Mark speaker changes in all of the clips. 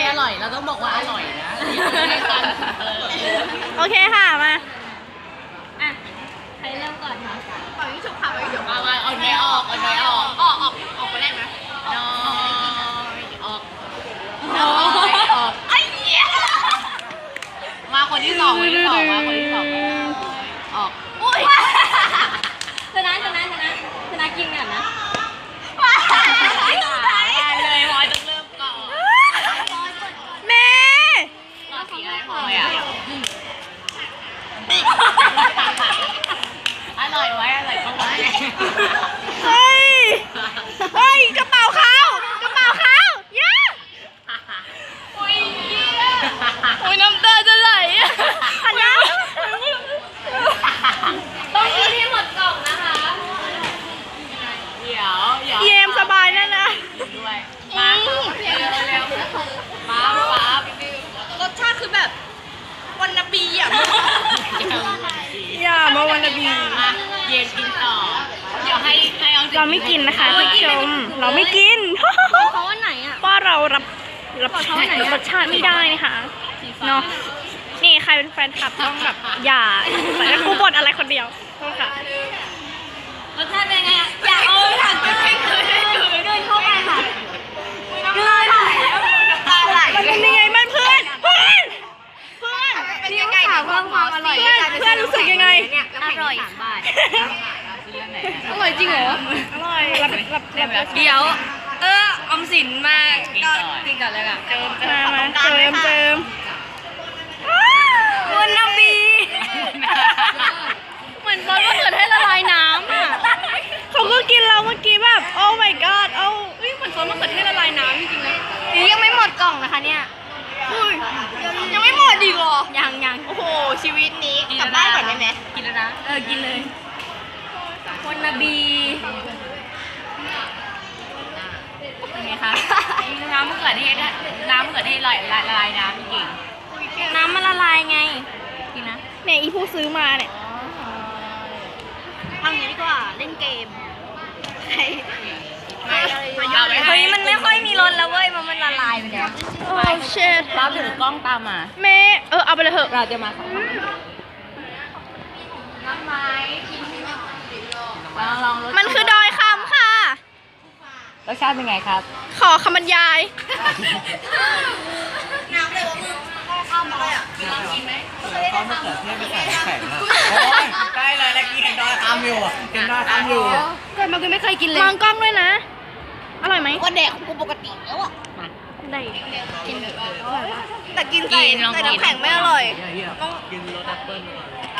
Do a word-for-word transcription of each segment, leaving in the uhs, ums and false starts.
Speaker 1: อร่อยเราต้องบอกว่าอร่อยนะ
Speaker 2: โอเคค่ะมา
Speaker 3: อ่ะใครเริ่มก่อนคะ
Speaker 1: ฝั่งนี้ฉุกค่ะฝั่งนี้ฉุกมามาเอาเนยออกเอาเนยออกออกออกออกไปได้ไหมน้อยออกน้อยออกไอ้เหี้ยมาคนที่สองคนที่สองมาคนที่สองออกอุ้ย
Speaker 3: ชนะชนะชนะชนะกินก่อนนะ
Speaker 1: เลยพอยต้องเริ่มก่อน
Speaker 2: แม่
Speaker 1: รอสีอะไรพอยอ่ะอร่อยไหมอร่อยเข้าไว้
Speaker 2: เฮ้ยเฮ้ยกระเป๋าเขากระเป๋าเขาย่า
Speaker 1: โอ้ย
Speaker 2: โอ้ยน้ำตาจะไหลอันนี้
Speaker 3: ต้องกินให้หมดกล่องนะคะ
Speaker 1: เดี๋ยวเดี๋ยว
Speaker 2: เยมสบายแน่นะ
Speaker 1: ด้วยมาเร็วเร็วป๊าป๊ารสชาติคือแบบวันนบีอ่ะ
Speaker 2: อย่ามาวันนบี
Speaker 1: เย็นกินต่อเดี๋ยวให้ให้เอา
Speaker 2: เราไม่กินนะคะท่านผู้ชมเราไม่กิน
Speaker 3: เพราะว่าไหนอ่ะ
Speaker 2: เพราะเรารับรับรสชาติไม่ได้นะคะเนาะนี่ใครเป็นแฟนคลับต้องแบบอย่าแต่ก็กูบ่นอะไรคนเดียวโทษค่ะ
Speaker 3: รสชาติเป็นไงอ่ะอยากเอาถังไปให้เกินให้เกินเดินเข้าไปค่ะเกิน
Speaker 2: มันเป็นยังไงมันเพื่อนเพื่อนเพื่อน
Speaker 3: เป็นยังไงถามเพิ่มความอร่อย
Speaker 2: เพื่อนเพื่อนรู้สึกยังไง
Speaker 3: อร่อยบาท
Speaker 2: อร่อยจริงเหรออร่อยรับรับรับ
Speaker 3: เดี๋ยวเอออมสินมาก็กินก่อนเลยค่ะ
Speaker 2: เจิมมามาเจิมเจิม
Speaker 3: วันนบีเหมือนบอลว่าเกิดให้ละลายน้ำอ่ะ
Speaker 2: เขาก็กินเราเมื่อกี้แบบโอ้ my god โอ้เฮ้ยเหมือนซอสมะเขือเทศละลายน้ำจริงๆนะ
Speaker 3: นี่ยังไม่หมดกล่องนะคะเนี่ย
Speaker 2: ยังไม่หมดอีกเหรอ
Speaker 3: ยังยัง
Speaker 2: โอ้โหชีวิตนี้กลับบ้านก่อนได้ไหม
Speaker 1: กินแล้วนะ
Speaker 3: เออกินเลยวันนบี
Speaker 1: เป็นไงคะน้ำมะเขือเทศน้ำมะเขือเทศลอยละลายน้ำจริง
Speaker 3: น้ำมันละลายไงกินนะ
Speaker 2: เนี่ยอีผู้ซื้อมาเนี่ย
Speaker 3: ทำอย่างนี้ดีกว่าเล่นเกม
Speaker 1: เฮ้
Speaker 3: ยมันไม่ค่อยมีรสแล้วเว้ยมันมันละลายไปแล้ว
Speaker 2: โอ้เชิด
Speaker 1: เราถือกล้องตามมา
Speaker 2: แม่เออเอาไปเลยเถอะ
Speaker 1: เราจะมา
Speaker 3: น้ำไม้กิน
Speaker 1: ลองลอง
Speaker 2: มันคือดอยคำค่ะ
Speaker 1: รสชาติเป็นไงครับ
Speaker 2: ขอคำบรรยาย
Speaker 3: น้ำเลยว่ามึงข้าวมาเลยอ่ะ
Speaker 1: กินไหมเขามะเขือเทศไปใส่แข็งอ่ะโอ้ยใกล้เลยแล้วกินดอยคำอยู่กินดอยคำอยู่
Speaker 3: เกิดมาคือไม่เคยกินเลย
Speaker 2: มองกล้องด้วยนะอร่อยไหม
Speaker 3: ก็แดกของกูปกติแล้วอ่ะ
Speaker 2: ได้
Speaker 3: กิน
Speaker 2: แต่กินใส่ใส่น้ำแข็งไม่อร่อย
Speaker 1: กินรสแอปเปิ้ล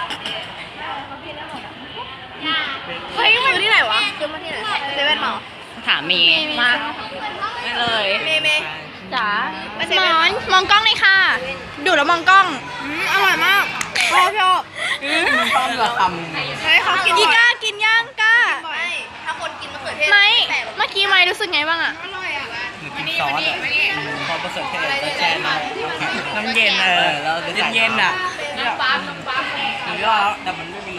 Speaker 2: เฮ้ยมันที่ไหนวะซื้อมาที่ไหนเซเว่นหรอ
Speaker 1: ถามมีมาไม่เลย
Speaker 2: เมย์เมย์จ๋าหมอนมองกล้องเลยค่ะดูแล้วมองกล้องอร่อยมากชอบชอบ
Speaker 1: มันต้องแบบทำ
Speaker 2: เฮ้ยเขากินก้ากินย่างก้า
Speaker 3: ไม่ถ้าคนกินมะเขือเทศ
Speaker 2: ไม่เมื่อกี้ไม่รู้สึกไงบ้างอะ
Speaker 3: อร่อยอ่ะ
Speaker 1: กินซอสอ่ะพอมะเขือเทศแล้วแช่น้ำน้ำเย็นเออเราเย็นๆอ่ะน้ำปั๊มน้ำปั๊มถือว่าแต่มันไม่มี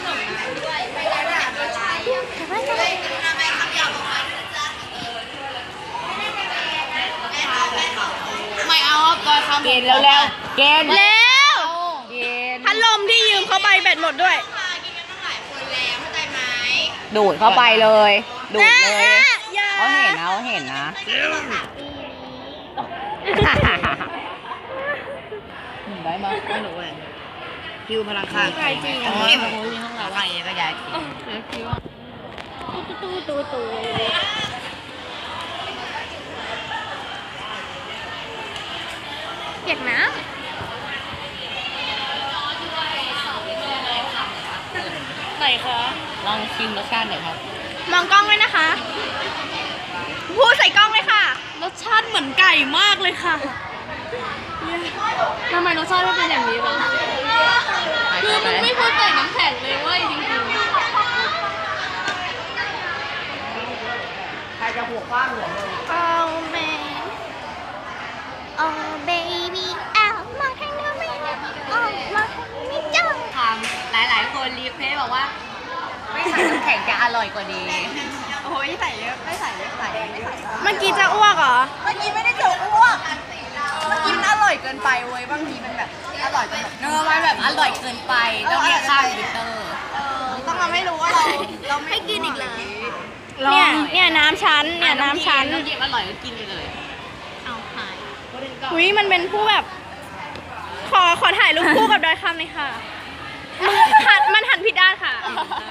Speaker 3: ไม่เอาตัวคำ
Speaker 1: เกณฑ์แล้วแล้วเกณฑ์
Speaker 2: แล้วพัดลมที่ยืมเขาไปแบตหมดด้วย
Speaker 1: ดูดเข้าไปเลยดูดเลยเขาเห็นนะเขาเห็นนะได้มาไม่หนูเองคิวพลังค่า
Speaker 2: ใครจริง
Speaker 1: อ๋อพลังที่ห้องเราว่าอย่างนี้ก็ยาย
Speaker 2: ตู้ตู้ตู้ตู้เปียกน้ำไหนคะ
Speaker 1: ลองชิมรสชาติหน่อยครับ
Speaker 2: มองกล้องเลยนะคะพูดใส่กล้องเลยค่ะรสชาติเหมือนไก่มากเลยค่ะ
Speaker 3: ทำไมรสชาติไม่เป็นอย่างนี้วะคือมันไม่พูดใส่น้ำแข็งเลยเว้ยจริงๆ
Speaker 1: ใครจะหัวฟ้าหัวเลย
Speaker 2: Oh man Oh baby อ้าวมองทางนู้นไม่ได้อ๋อมองทางนี้ไม่จ้อง
Speaker 1: ทำหลายๆคนรีเควสบอกว่าไม่ใส่น้ำแข็งจะอร่อยกว่านี้
Speaker 3: โอ้ยใส่เยอะไม่ใส่เยอะใส่ไม่ใส่
Speaker 2: เมื่อกี้จะอ้วกเหรอ
Speaker 3: เมื่อกี้ไม่ได้จะอ้วกไปเว้ยบางทีมันแบบอร่อยจนแบบ
Speaker 1: เนื้อมันแบบอร่อยเกินไปต้องเรียกค่าบิตเตอร์
Speaker 3: เออต้องมาไม่รู้ว่าเราเราไม่กินอีกเลย
Speaker 2: เนี่ยเนี่ยน้ำชั้นเนี่ยน้ำชั้น
Speaker 1: น้ำจิ้มอร่อยก็กินไปเลย
Speaker 3: เอาหาย
Speaker 2: อุ้ยมันเป็นผู้แบบ ขอขอถ่ายรูปคู่กับดอยคำหน่อยค่ะมันหันมันหันผิดด้านค่ะ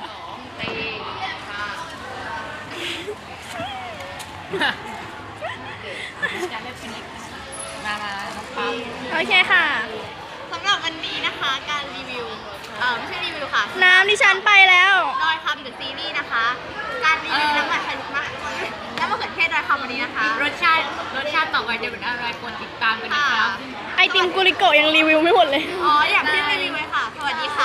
Speaker 1: มามาน้องปั๊ม
Speaker 2: โอเคค่ะ
Speaker 3: สำหรับวันนี้นะคะการรีวิวเออไม่ใช่รีวิวค่ะ
Speaker 2: น้ำดิฉันไปแล้ว
Speaker 3: ดอยคำเดอะซีรีส์นะคะ การรีวิวน้ำมันชันมะน้ำมะเขือเทศดอยคำวันนี้นะคะ
Speaker 1: รสชาติรสชาติต่อไปจะเป็นอะไรกดติดตามกันนะครับ
Speaker 2: ไอติมกุลิโกะยังรีวิวไม่หมดเลย
Speaker 3: อ๋ออย่างที่รีวิวไว้ค่ะ สวัสดีค่ะ